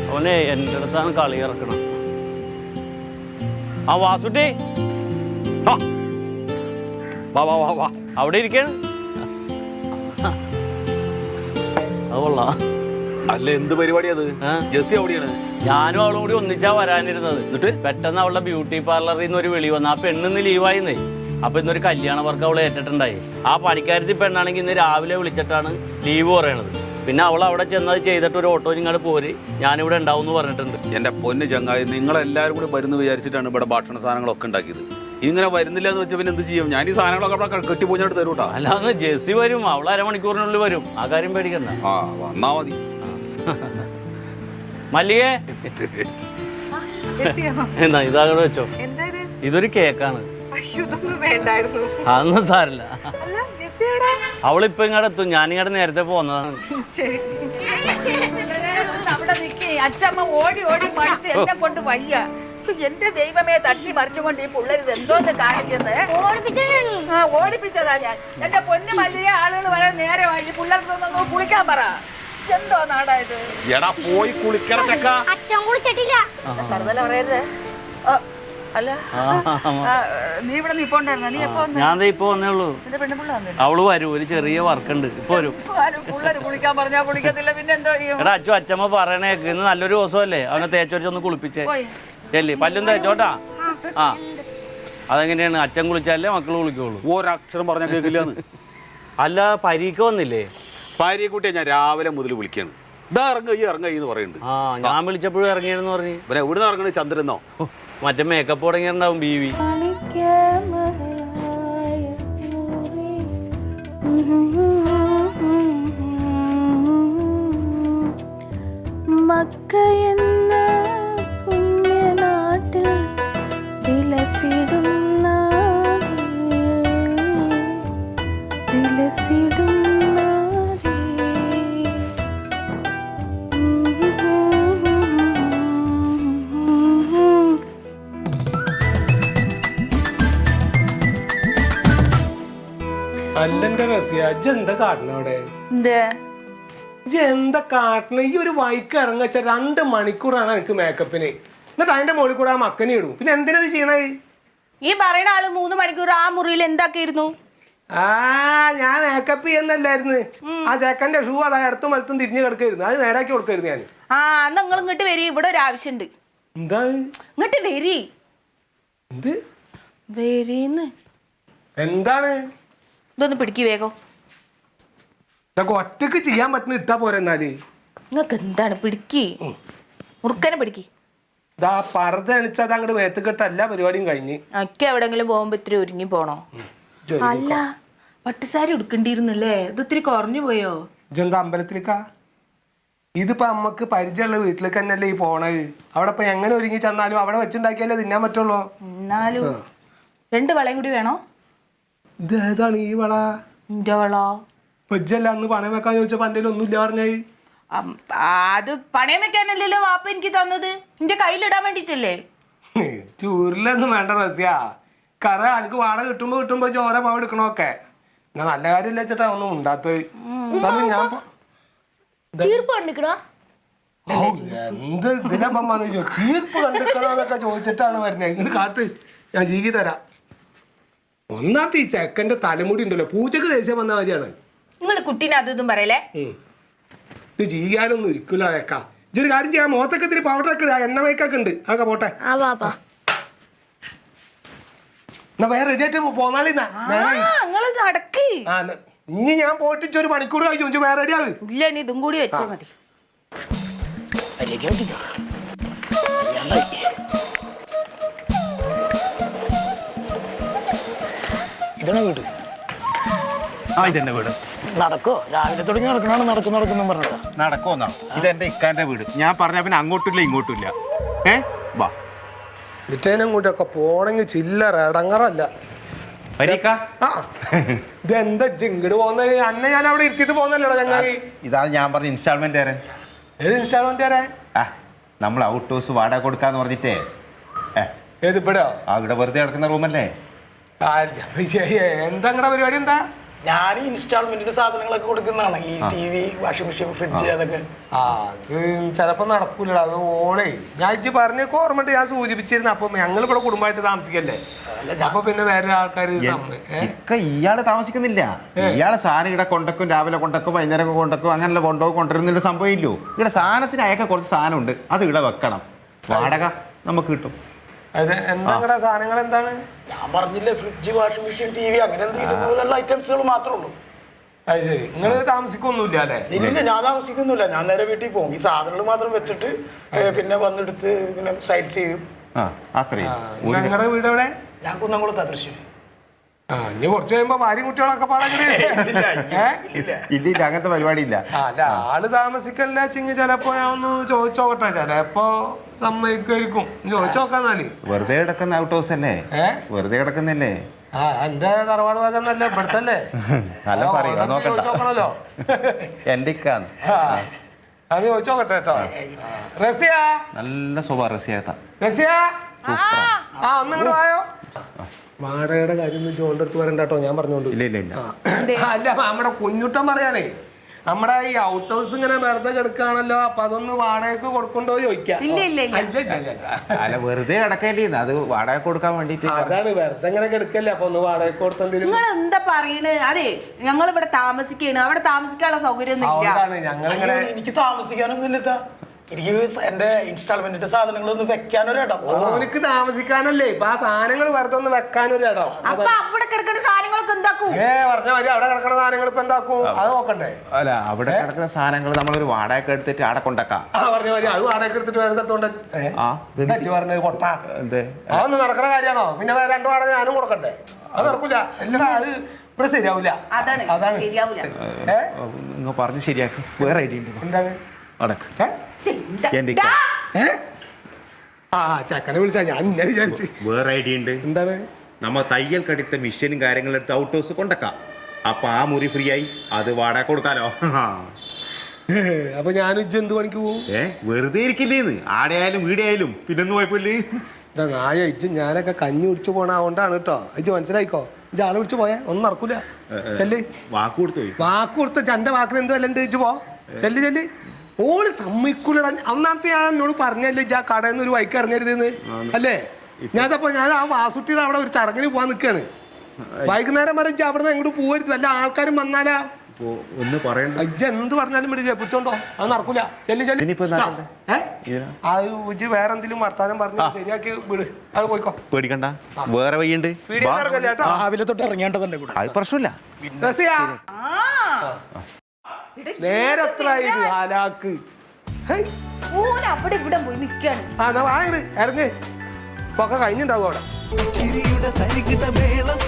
അവനെ എൻ്റെ അടുത്താണ് കളി ഇറക്കണം. ആ വാസുട്ടി അവിടെ ഇരിക്കാണ്. അതുകൊള്ളാ. അല്ല എന്ത് പരിപാടി അത്? ജെസ്സി അവിടെയാണ്. ഞാനും അവളും കൂടി ഒന്നിച്ചാ വരാനിരുന്നത്. എന്നിട്ട് പെട്ടെന്ന് അവളുടെ ബ്യൂട്ടി പാർലറിൽ നിന്ന് ഒരു വിളി വന്നു. ആ പെണ്ണിന്ന് ലീവായിന്നേ. അപ്പൊ ഇന്നൊരു കല്യാണ വർക്ക് അവളെ ഏറ്റിട്ടുണ്ടായി. ആ പണിക്കാരത്തി പെണ്ണാണെങ്കിൽ ഇന്ന് രാവിലെ വിളിച്ചിട്ടാണ് ലീവ് പറയണത്. പിന്നെ അവൾ അവിടെ ചെന്നത് ചെയ്തിട്ട് ഒരു ഓട്ടോ ഇങ്ങോട്ട് പോര്, ഞാനിവിടെ ഉണ്ടാവും എന്ന് പറഞ്ഞിട്ടുണ്ട്. എന്റെ പൊന്ന് ചങ്ങായി, നിങ്ങളെല്ലാവരും കൂടി വരുന്ന വിചാരിച്ചിട്ടാണ് ഇവിടെ ഭക്ഷണ സാധനങ്ങളൊക്കെ ഉണ്ടാക്കിയത്. ഇങ്ങനെ വരുന്നില്ല എന്ന് വെച്ചാൽ പിന്നെ എന്ത് ചെയ്യും? ഞാൻ ഈ സാധനങ്ങളൊക്കെ അവിടെ കെട്ടിപ്പോഞ്ഞിട്ട് തരൂട്ടാ. അല്ലാന്ന് ജെസ്സി വരും, അവൾ അരമണിക്കൂറിനുള്ളിൽ വരും. ആ കാര്യം പേടിക്കണ്ട. ആ വന്നാ മതി. മല്ലികേ എന്നാ ഇതാകടെ വെച്ചോ. ഇതൊരു കേക്കാണ്. അതൊന്നും സാരില്ല. അവളിപ്പോ ഇങ്ങോട്ട് എത്തും. ഞാനിങ്ങോട്ട് നേരത്തെ പോന്നതാണ്. അച്ഛമ്മ ഓടി ഓടി മടുത്ത് എന്നെ കൊണ്ട് വയ്യ. എന്റെ ദൈവമേ, തട്ടി മറിച്ചുകൊണ്ട് ഈ പിള്ളേർ എന്തോന്ന് കാണിക്കുന്നത്. ഓടിപ്പിച്ചതാ ഞാൻ. എന്റെ പൊന്നു മല്ലിയെ ആളുകൾ വരാൻ നേരമായി. പിള്ളേർക്കൊന്നും കുളിക്കാൻ പറ. എന്തോ നാടായത്. പോയി കറുതല പറയരുത്. അല്ല നീ ഇവിടെ നിപ്പോണ്ടായിരുന്ന? നീ എപ്പോ? ഞാൻ ഇപ്പൊ വന്നേ ഉള്ളൂ. അവള് വരും, ഒരു ചെറിയ വർക്ക് ഉണ്ട്. ഇപ്പൊ വരും. പിള്ളേര് കുളിക്കാൻ പറഞ്ഞാ കുളിക്കത്തില്ല. പിന്നെ എന്തോ എടാ അച്ഛൻ അച്ഛമ്മ പറയണേക്ക് ഇന്ന് നല്ലൊരു ദിവസമല്ലേ, അവനെ തേച്ചൊരിച്ചൊന്ന് കുളിപ്പിച്ചേ. ചെല്ലി പല്ലും തേച്ചോട്ടാ. ആ അതെങ്ങനെയാണ്? അച്ഛൻ കുളിച്ചാലേ മക്കള് കുളിക്കുള്ളൂ. ഒരക്ഷരം പറഞ്ഞ കേൾക്കില്ലാന്ന്. അല്ല പരീക്ക് വന്നില്ലേ? ഭാര്യയെക്കുട്ടിയെ ഞാൻ രാവിലെ മുതൽ വിളിക്കാണ്. ഇതാ ഇറങ്ങി എന്ന് പറയുന്നുണ്ട്. ആ ഞാൻ വിളിച്ചപ്പോഴും ഇറങ്ങിയെന്ന് പറഞ്ഞു. പിന്നെ എവിടെ നിന്ന് ഇറങ്ങണേ? ചന്ദ്രനോ? മറ്റേ മേക്കപ്പ് തുടങ്ങിയിട്ടുണ്ടാവും. ബീവി മക്കയെന്ന പുണ്യനാട്ടിൽ വിലസിടും അല്ലെന്റെ റസിയ, എന്താ കാട്ടണ അവിടെ? എന്താ കാട്ടണ? ഈ ഒരു വൈക്ക് ഇറങ്ങച്ച 2 മണിക്കൂറാണ് എനിക്ക് മേക്കപ്പിന്. എന്നിട്ട് അതിന്റെ മുകളിൽ കൂടെ ആ മക്കനെ ഇടും. പിന്നെ എന്തിനാ ചെയ്യണത്? ഈ പറയുന്ന ആള് 3 മണിക്കൂർ ആ മുറിയിൽ എന്താക്കിയിരുന്നു? ഞാൻ മേക്കപ്പ് ചെയ്യുന്നല്ലായിരുന്നു. ആ ചെക്കന്റെ ഷൂ അതാ ഇടത്തും വലത്തും തിരിഞ്ഞു കിടക്കായിരുന്നു. അത് നേരാക്കി കൊടുക്കായിരുന്നു ഞാൻ. എന്നാ നിങ്ങൾ ഇങ്ങോട്ട് വരി, ഇവിടെ ഒരു ആവശ്യമുണ്ട്. എന്താ? ഇങ്ങോട്ട് വരി. എന്ത് വരീന്ന്? എന്താണ്? ഇതൊന്ന് പിടിക്ക് വേഗം. ഇതൊക്കെ ഒറ്റക്ക് ചെയ്യാൻ പറ്റുന്ന ഇട്ടാ പോരെ. എന്നാല് നിങ്ങൾക്ക് എന്താണ്? പിടിക്ക്, മുറുക്കനെ പിടിക്ക്. ഇതാ പർദ്ദ അണിച്ചത് അങ്ങോട്ട് വേത്തുകെട്ട എല്ലാ പരിപാടിയും കഴിഞ്ഞ്. ഒക്കെ എവിടെങ്കിലും പോകുമ്പോ ഇത്തിരി ഒരുങ്ങി പോണോ? അല്ല പട്ടുസാരി ഉടുക്കണ്ടിരുന്നല്ലേ? ഇത് ഇത്തിരി കുറഞ്ഞു പോയോ? ഇതെന്താ അമ്പലത്തിലേക്കാ? ഇതിപ്പോ നമ്മക്ക് പരിചയമുള്ള വീട്ടിലേക്ക് തന്നെയല്ലേ ഈ പോണത്. അവിടെ ഇപ്പൊ എങ്ങനെ ഒരുങ്ങി ചെന്നാലും അവിടെ വെച്ചുണ്ടാക്കിയാലേ തിന്നാൻ പറ്റുള്ളൂ. എന്നാലും 2 വളയും കൂടി വേണോ? ഇത് ഏതാണ് ഈ വള? എന്റെ വള വെജല്ല. അന്ന് പണയം വെക്കാൻ ചോദിച്ചപ്പോ എന്റെ ഒന്നും ഇല്ല പറഞ്ഞായി. അത് പണയം വെക്കാനല്ലല്ലോ വാപ്പ എനിക്ക് തന്നത്. എന്റെ കയ്യിലിടാൻ വേണ്ടിട്ടല്ലേ. ചൂരിലൊന്നും വേണ്ട റസ്യ. കറ എനിക്ക് വാടക കിട്ടുമ്പോ ചോര പാവ എടുക്കണോക്കെ. ഞാൻ നല്ല കാര്യമില്ല വെച്ചിട്ടാ ഒന്നും ഉണ്ടാത്തത്. ഞാൻ എന്ത് ഇതിനപ്പം വന്നു ചീർപ്പ് കണ്ടിക്കണോന്നൊക്കെ ചോദിച്ചിട്ടാണ് വരുന്നത്. ഇങ്ങോട്ട് കാട്ട്, ഞാൻ ചീകി തരാം. ഒന്നാമത്തെ ഈ ചെക്കന്റെ തലമുടി ഉണ്ടല്ലോ, പൂച്ചക്ക് ദേഷ്യം വന്ന കാര്യമാണ്. നിങ്ങൾ കുട്ടീനെ അതൊന്നും പറയലേ. ഇത് ചെയ്യാനൊന്നും ഇരിക്കില്ല അയക്കാം. ഇതൊരു കാര്യം ചെയ്യാം, മുഖത്തൊക്കെ ഇത്തിരി പൗഡറൊക്കെ ഇടുക, എണ്ണ മേക്കൊക്കെ ഉണ്ട്. അതൊക്കെ പോട്ടെ. എന്നാ വേറെ റെഡി ആയിട്ട് പോന്നാളി. ഇനി ഞാൻ പോയിട്ട് 1 മണിക്കൂർ കഴിച്ചു. വേറെ റെഡി ആവും. ഇല്ല, ഇനി ഇതും കൂടി വെച്ചാൽ മതി. ഇതാണ് വീട്. ഇതെന്റെ വീട്. നടക്കോ? രാവിലെ തുടങ്ങി നടക്കുന്നു പറഞ്ഞത്. നടക്കോന്നാ? ഇതെന്റെ ഇക്കാന്റെ വീട്. ഞാൻ പറഞ്ഞ പിന്നെ അങ്ങോട്ടില്ല ഇങ്ങോട്ടില്ല. വാ ഇങ്ങോട്ടൊക്കെ പോണെങ്കിൽ ചില്ലറ ഇടങ്ങറല്ല. ഇതെന്താ ഇങ്ങോട്ട് പോകുന്നത്? അന്നെ ഞാൻ അവിടെ ഇരുത്തിട്ട് പോകുന്നല്ലോടാ ചങ്ങായി. ഇതാണ് ഞാൻ പറഞ്ഞ ഇൻസ്റ്റാൾമെന്റ് തരാൻ. ഏത് ഇൻസ്റ്റാൾമെന്റ് തരാൻ? നമ്മൾ ഔട്ട് ഹൗസ് വാടക കൊടുക്കാന്ന് പറഞ്ഞിട്ടേ. ഏത് ഇവിടെ? ഇവിടെ വെറുതെ കിടക്കുന്ന റൂമല്ലേ? എന്താ പരിപാടി? എന്താ ഞാൻ ഇൻസ്റ്റാൾമെന്റിന് സാധനങ്ങളൊക്കെ കൊടുക്കുന്നതാണ് ഈ TV, വാഷിംഗ് മെഷീൻ, ഫ്രിഡ്ജ് അതൊക്കെ. അത് ചിലപ്പോ നടക്കൂലടാ. അത് ഓണേ ഞാൻ ഇജ്ജ് പറഞ്ഞ ഓർമ്മ ഞാൻ സൂചിപ്പിച്ചിരുന്നു. അപ്പൊ ഞങ്ങൾ ഇവിടെ കുടുംബമായിട്ട് താമസിക്കല്ലേ, അപ്പൊ പിന്നെ വേറെ ആൾക്കാർ ഇയാള് താമസിക്കുന്നില്ല. ഇയാളെ സാധനം ഇവിടെ കൊണ്ടക്കും, രാവിലെ കൊണ്ടക്കും, വൈകുന്നേരം കൊണ്ടക്കും, അങ്ങനെയുള്ള കൊണ്ടുവരുന്നില്ല സംഭവം ഇല്ലല്ലോ. ഇവിടെ സാധനത്തിന് അയക്കാൻ കുറച്ച് സാധനമുണ്ട്, അത് ഇവിടെ വെക്കണം. വാടക നമുക്ക് കിട്ടും. എന്താ സാധനങ്ങൾ എന്താണ്? ഞാൻ പറഞ്ഞില്ലേ, ഫ്രിഡ്ജ്, വാഷിംഗ് മെഷീൻ, TV അങ്ങനെ എന്തെങ്കിലും ഐറ്റംസുകൾ മാത്രമേ ഉള്ളൂ. അത് ശരി. നിങ്ങൾ താമസിക്കൊന്നുമില്ല അല്ലേ? ഇല്ല, ഞാൻ താമസിക്കൊന്നുമില്ല. ഞാൻ നേരെ വീട്ടിൽ പോകും. ഈ സാധനങ്ങൾ മാത്രം വെച്ചിട്ട് പിന്നെ വന്നെടുത്ത് പിന്നെ സൈഡ് ചെയ്യും. നിങ്ങളുടെ വീട് എവിടെ? ഞാൻ കുന്നംകുളത്താ, തൃശ്ശൂര്. ഇനി കുറച്ച് കഴിയുമ്പോ ഭാര്യ കുട്ടികളൊക്കെ ഇല്ല, അങ്ങനത്തെ പരിപാടി ഇല്ല. അല്ല, ആള് താമസിക്കല്ല ചിങ്ങ. ചിലപ്പോ ഞാൻ ഒന്ന് ചോദിച്ചോക്കട്ടെ, ചിലപ്പോ സമ്മതിക്കുമായിരിക്കും. ചോദിച്ചു നോക്കാന്നാല്. വെറുതെ കിടക്കുന്ന ഔട്ട് ഹൗസ് അല്ലേ? വെറുതെ കിടക്കുന്നല്ലേ? എന്റെ തറവാട് ഭാഗന്നല്ലേ, ഇവിടുത്തല്ലേ? ചോദിച്ചോക്കണല്ലോ. എന്റെ അത് ചോദിച്ചോക്കട്ടെ കേട്ടോ. റസിയ, നല്ല സ്വഭാവം റസിയാത്ത. റസിയ, ഒന്ന് ഇങ്ങോട്ട് വായോ. വാടകയുടെ കാര്യം ചോണ്ടെടുത്ത് പറയണ്ട കേട്ടോ, ഞാൻ പറഞ്ഞോണ്ട്. അല്ല, നമ്മുടെ കുഞ്ഞുട്ടൻ പറയാനേ, നമ്മുടെ ഈ ഔട്ട് ഹൗസ് ഇങ്ങനെ വെറുതെ കിടക്കുകയാണല്ലോ, അപ്പൊ അതൊന്ന് വാടകയ്ക്ക് കൊടുക്കണ്ടോ ചോദിക്കാം. അല്ല, വെറുതെ കിടക്കല്ലേ, അത് വാടക കൊടുക്കാൻ വേണ്ടിട്ട്. അതാണ്, വെറുതെ ഇങ്ങനെ കിടക്കല്ലേ, അപ്പൊ ഒന്ന് വാടകയ്ക്ക് കൊടുത്തെന്തെങ്കിലും. നിങ്ങൾ എന്താ പറയണ്? അതെ, ഞങ്ങൾ ഇവിടെ താമസിക്കാണ്, അവിടെ താമസിക്കാനുള്ള സൗകര്യം ഞങ്ങളിങ്ങനെ. എനിക്ക് താമസിക്കാനൊന്നും ഇല്ലത്താ. എനിക്ക് എന്റെ ഇൻസ്റ്റാൾമെന്റിന്റെ സാധനങ്ങളൊന്ന് വെക്കാനൊരിടം. ഓനിക്ക് താമസിക്കാനല്ലേ, ഇപ്പൊ ആ സാധനങ്ങൾ വെറുതെ ഒന്ന് വെക്കാനൊരിടം. അപ്പൊ അവിടെ കിടക്കുന്ന സാധനങ്ങളൊക്കെ എന്താക്കും? പറഞ്ഞ മതി, അവിടെ കിടക്കുന്ന സാധനങ്ങൾ ഇപ്പൊ എന്താക്കും? അത് നോക്കണ്ടേ? അല്ല, അവിടെ കിടക്കുന്ന സാധനങ്ങൾ നമ്മളൊരു വാടക എടുത്തിട്ട് അവിടെ കൊണ്ടാക്കാം. പറഞ്ഞ മതി, അത് വാടക എടുത്തിട്ട് വേറെ സ്ഥലത്തോണ്ട് പറഞ്ഞത് കൊട്ട. അതൊന്നും നടക്കുന്ന കാര്യമാണോ? പിന്നെ വേറെ 2 വാടക ഞാനും കൊടുക്കണ്ടേ? അത് നടക്കൂല. എല്ലാ അത് ഇവിടെ ശരിയാവൂല. അതാണ് ശരിയാവൂല. നിങ്ങൾ പറഞ്ഞ് ശരിയാക്കും. വേറെ ഐഡിയ ഉണ്ട്. എന്താണ്? ചക്കനെ വിളിച്ചാ ഞാൻ വിചാരിച്ചു. വേറെ ഐഡിയ ഉണ്ട്. എന്താണ്? നമ്മ തയ്യൽ കടുത്ത മിഷനും കാര്യങ്ങളും എടുത്ത് ഔട്ട് ഹൗസ് കൊണ്ടക്കാം. അപ്പൊ ആ മുറി ഫ്രീ ആയി, അത് വാടക കൊടുക്കാലോ. അപ്പൊ ഞാൻ എന്ത് പണിക്ക് പോവും? വെറുതെ ഇരിക്കില്ലേന്ന്, ആടെയായാലും വീടായാലും പിന്നൊന്നും കുഴപ്പമില്ലേ. നായ ഇജ്ജ് ഞാനൊക്കെ കഞ്ഞി കുടിച്ചു പോണ അതുകൊണ്ടാണ് കേട്ടോ. ഇജ്ജ് മനസ്സിലായിക്കോ. ഇജ്ജ് ആളെ വിളിച്ചു പോയേ ഒന്നും നടക്കൂല. ചെല്ല്. വാക്ക് കൊടുത്തു പോയി. വാക്ക് കൊടുത്ത എന്റെ വാക്കിന് എന്ത് വല്ലണ്ട് ഇജ്ജ് പോ. ചെല്ല്. ഓള് സമ്മതിക്കൂലട. അന്നാമത്തെ ഞാൻ എന്നോട് പറഞ്ഞല്ലേ ഇജ്ജ് ആ കടയിൽ നിന്ന് ഒരു വൈക്ക് ഇറങ്ങരുതെന്ന് അല്ലേ? ഞാൻ ആ വാസുട്ടിയുടെ അവിടെ ഒരു ചടങ്ങിന് പോവാൻ നിൽക്കാണ്. വൈകുന്നേരം വരെ ഇജ്ജ് അവിടെ നിന്ന് എങ്ങോട്ട് പോവരുത്. വല്ല ആൾക്കാരും വന്നാലാ ഒന്ന് പറയണ്ട. ഇജ്ജ് എന്ത് പറഞ്ഞാലും വിളിച്ചേ പിടിച്ചോണ്ടോ, അത് നടക്കൂല. ചെല്ലി അത് ഉജ്ജ് വേറെ എന്തെങ്കിലും വർത്താനം പറഞ്ഞു ശരിയാക്കി വിട്. അത് പോയിക്കോ, പേടിക്കണ്ട. വേറെ വഴിയുണ്ട്. രാവിലെ തൊട്ട് ഇറങ്ങേണ്ടതല്ലേ? അത് പ്രശ്നമില്ല. നേരെ എത്ര ആലാക്ക് അവിടെ ഇവിടെ പോയി നിൽക്കാണ്. ഇറങ്ങ്. ഇപ്പൊ ഒക്കെ കഴിഞ്ഞിട്ടുണ്ടാവും അവിടെ. ചിരിയുടെ തരികിട മേളം